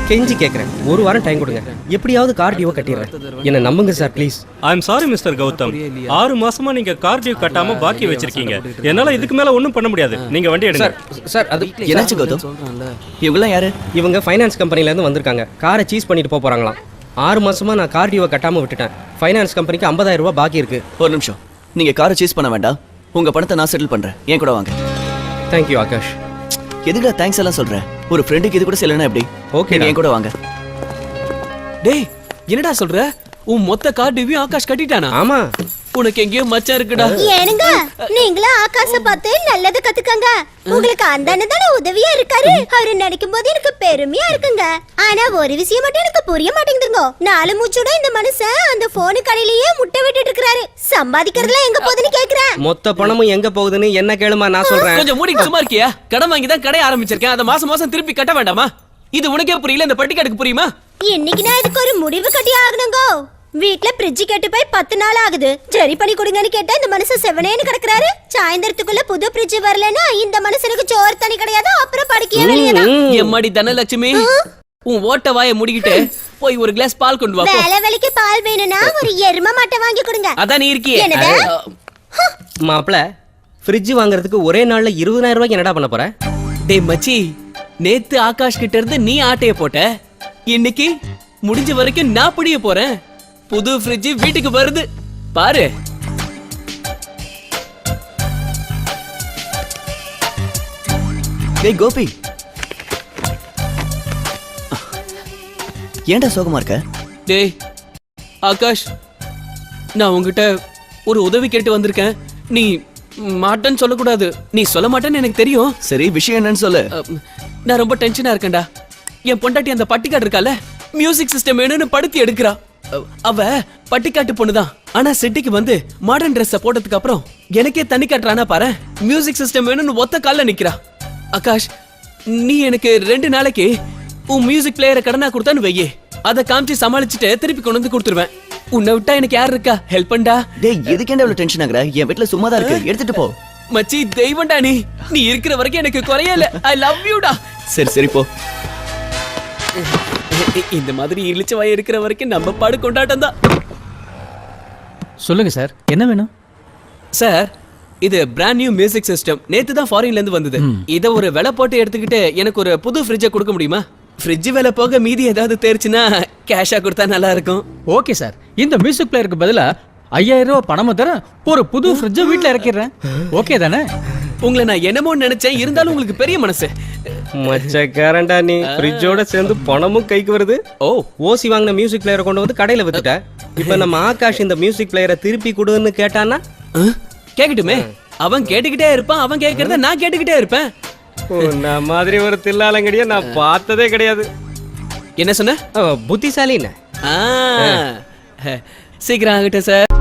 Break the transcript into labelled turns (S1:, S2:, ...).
S1: கெஞ்சி கேட்குறேன், ஒரு வாரம் டைம் கொடுங்க, எப்படியாவது கார் டியூவை கட்டிடுறேன். என்ன நம்புங்க sir please.
S2: I am sorry mister Gautham, 6 மாசமா நீங்க கார் டியூ கட்டாம பாக்கி வச்சிருக்கீங்க. என்னால இதுக்கு மேல ஒன்றும் பண்ண முடியாது. நீங்க வண்டி எடுங்க.
S1: சார் அது
S3: என்னாச்சு கௌதம்? இவங்கெல்லாம் யாரு?
S1: இவங்க ஃபைனான்ஸ் கம்பெனிலேருந்து வந்திருக்காங்க. காரை சீஸ் பண்ணிட்டு போகிறாங்களாம். 6 மாசமா நான் கார் டியூவை கட்டாமல் விட்டுட்டேன். ஃபைனான்ஸ் கம்பெனிக்கு 50,000 ரூபாய் பாக்கி இருக்கு.
S3: ஒரு நிமிஷம், நீங்க காரை சீஸ் பண்ண வேண்டாம், உங்க பணத்தை நான் செட்டில் பண்றேன். ஏன் கூட வாங்க.
S1: தேங்க்யூ ஆகாஷ்.
S3: எதுக்குடா தேங்க்ஸ் எல்லாம் சொல்றேன்? ஒரு ஃப்ரெண்டுக்கு இது கூட சொல்லணும் எப்படி?
S1: ஓகே,
S3: ஏன் கூட வாங்க.
S4: டேய் என்னடா சொல்ற? உன் மொத்த கார் டியூவையும் ஆகாஷ் கட்டிட்டானா?
S1: ஆமா.
S4: உனக்கு எங்கேயோ மச்சான் இருக்குடா.
S5: ஏனுங்க நீங்களும் ஆகாஷ பார்த்து நல்லது கத்துக்கங்க. உங்களுக்கு அந்த அண்ணன் தானே உதவியா இருக்காரு. அவரு நினைக்கும் போது எனக்கு பெருமையா இருக்குங்க. ஆனா ஒரு விஷயம் மட்டும் எனக்கு புரிய மாட்டேங்குதுங்க. 4 மூச்சோட இந்த மனுஷன் அந்த போனு கடையிலேயே முட்டை விட்டுட்டு இருக்காரு. சம்பாதிக்கிறதுல எங்க போகுதுன்னு கேக்குறேன்.
S1: மொத்த பணமும் எங்க போகுதுன்னு என்ன கேளுமா, நான் சொல்றேன்.
S4: கொஞ்சம் மூடி சும்மா இருக்கியா? கடன் வாங்கி தான் கடை ஆரம்பிச்சிருக்கேன். அதை மாசம் மாசம் திருப்பி கட்ட வேண்டாமா? இது உனக்கே புரியல, இந்த பட்டிக்காடுக்கு புரியுமா?
S5: இன்னைக்கு நான் இதுக்கு ஒரு முடிவு கட்டி ஆகணுங்க. வீட்ல ஃப்ரிட்ஜ் கெட்டு போய் 10 நாள் ஆகுது. சரி பண்ணி கொடுங்கன்னு கேட்டா இந்த மனுஷன் செவனேன்னு கிடக்குறாரு. சாயந்தரத்துக்குள்ள புது ஃப்ரிட்ஜ் வரலன்னா இந்த மனுஷனுக்கு சோறு தண்ணி கிடையாது. அப்புறம் படுக்கையே வெளியதான்.
S4: எம்மாடி தனலட்சுமி, உன் ஓட்ட வாயை முடிக்கிட்டு போய் ஒரு கிளாஸ் பால் கொண்டு வா.
S5: வேலை வேலைக்கு பால் வேணும்னா ஒரு எரும மாட்டை வாங்கி கொடுங்க.
S4: அதான் நீ இருக்கியே.
S1: மாப்பிள, ஃப்ரிட்ஜ் வாங்குறதுக்கு ஒரே நாள்ல 20,000 ரூபாய்க்கு என்னடா பண்ண போற?
S4: டேய் மச்சி, நேத்து ஆகாஷ் கிட்ட இருந்து நீ ஆட்டைய போட்ட, இன்னைக்கு முடிஞ்ச வரைக்கும் நான் புடிய போறேன். புது ஃப்ரிட்ஜ் வீட்டுக்கு வருது பாரு.
S3: டேய் கோபி, ஏன்டா சோகமா இருக்க?
S4: டேய் ஆகாஷ், நான் உன்கிட்ட ஒரு உதவி கேட்டு வந்திருக்கேன். நீ மாட்டேன்னு சொல்லக்கூடாது. நீ சொல்ல மாட்டேன்னு எனக்கு தெரியும்.
S3: சரி, விஷயம் என்னன்னு சொல்லு.
S4: நான் ரொம்ப டென்ஷனா இருக்கேன்டா. என் பொண்டாட்டி அந்த பட்டிக்காடு இருக்கால, மியூசிக் சிஸ்டம் வேணும்னு படுத்தி எடுக்கிறா. அவ பட்டிக்காட்டு பொண்ணுதான். ஆனா சிட்டிக்கு வந்து மாடர்ன் ட்ரெஸ் போட்டதுக்கு அப்புறம் எனக்கே தண்ணி காட்டுறானா பாரு. மியூசிக் சிஸ்டம் வேணும்னு ஒத்த கால்ல நிக்கிறா. ஆகாஷ், நீ எனக்கு 2 நாளைக்கு உன் மியூசிக் பிளேயரை கடனா கொடுத்தான்னு வையே, அதை காமிச்சு சமாளிச்சுட்டு திருப்பி கொண்டு வந்து கொடுத்துருவேன். உன்னை விட்டா எனக்கு யார் இருக்கா? ஹெல்ப் பண்ணா.
S3: டேய் எதுக்கேண்டா இவ்வளவு டென்ஷன் ஆகுற? என் வீட்ல சும்மா தான் இருக்கு, எடுத்துட்டு போ.
S4: மச்சி தெய்வம்டா நீ. நீ இருக்கிற வரைக்கும் எனக்கு குறையல. ஐ லவ் யூடா.
S3: சரி சரி போ.
S4: இந்த மாதிரி இழிச்ச வாய் இருக்கிற வரைக்கும் நம்ம பாடு கொண்டாட்டம் தான்.
S6: சொல்லுங்க சார், என்ன வேணும்?
S4: சார், இது பிராண்ட் நியூ மியூசிக் சிஸ்டம். நேத்து தான் ஃபாரின்ல இருந்து வந்தது. இத ஒரு விலை போட்டு எடுத்துக்கிட்டு எனக்கு ஒரு புது ஃப்ரிட்ஜை கொடுக்க முடியுமா? ஃப்ரிட்ஜ் விலை போக மீதி ஏதாவது தேர்ச்சுன்னா கேஷா கொடுத்தா நல்லா இருக்கும்.
S6: ஓகே சார், இந்த மியூசிக் பிளேயருக்கு பதிலா 5,000 ரூபாய் பணமும் தர ஒரு புது ஃப்ரிட்ஜை வீட்டுல இறக்கிடுறேன். ஓகே தானே?
S4: உங்களை நான் என்னமோ நினைச்சேன், இருந்தாலும் உங்களுக்கு பெரிய மனசு.
S1: மச்சக்காரன்டா நீ. ஃப்ரிட்ஜோட சேர்ந்து பணமும் கைக்கு வருது. ஓசி வாங்கின மியூசிக் பிளேயரை கொண்டு வந்து கடையில வித்துட்ட. இப்ப நம்ம ஆகாஷ் இந்த மியூசிக் பிளேயரை திருப்பி கொடுன்னு கேட்டானா?
S4: கேக்கட்டுமே. அவன் கேட்டுக்கிட்டே இருப்பான், அவன் கேட்கறத நான் கேட்டுக்கிட்டே இருப்பேன்.
S1: நான் மாதிரி ஒரு தில்லாலங்கடிய நான் பார்த்ததே கிடையாது.
S4: என்ன சொன்ன?
S1: புத்திசாலின்னு.
S4: சீக்கிரம் ஆகட்டும் சார்.